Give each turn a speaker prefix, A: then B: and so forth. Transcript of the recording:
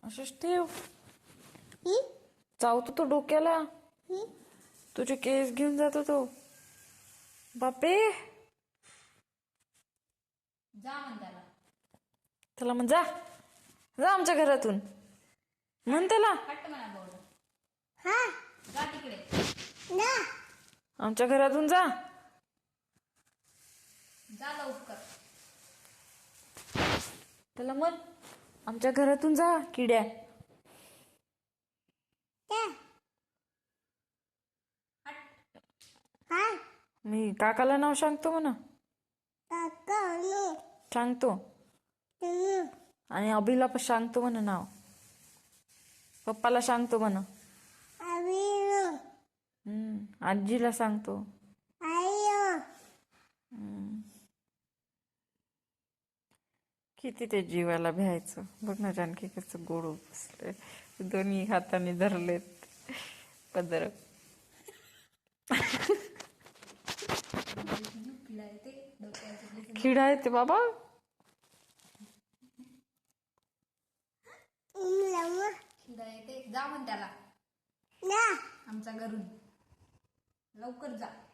A: असंच ठेव. चावतो तो डोक्याला. तुझे केस घेऊन जातो तो. बापरे.
B: जा म्हण त्याला.
A: त्याला म्हण जा जा आमच्या घरातून म्हण त्याला.
B: हट्ट म्हणा बोल.
C: हा
B: जा तिकडे.
C: ना
A: आमच्या घरातून जा.
B: जा लवकर.
A: त्याला म्हण आमच्या घरातून जा किड्या.
C: त्या
B: हट.
C: हा
A: मी काकाला नाव सांगतो म्हणा.
C: काका नो
A: सांगतो आणि अभिला पण सांगतो म्हणा नाव. पप्पाला सांगतो म्हणा.
C: अभी नो
A: आजीला सांगतो.
C: आयो
A: किती ते जीवाला भ्यायचं. बघ ना जानकी कसं गोड बसलंय. दोन्ही हाताने धरलेत पदर. किडा आहे ते बाबा.
B: खिडा येते. जा म्हण त्याला
C: ना
B: आमच्या घरून. लवकर जा.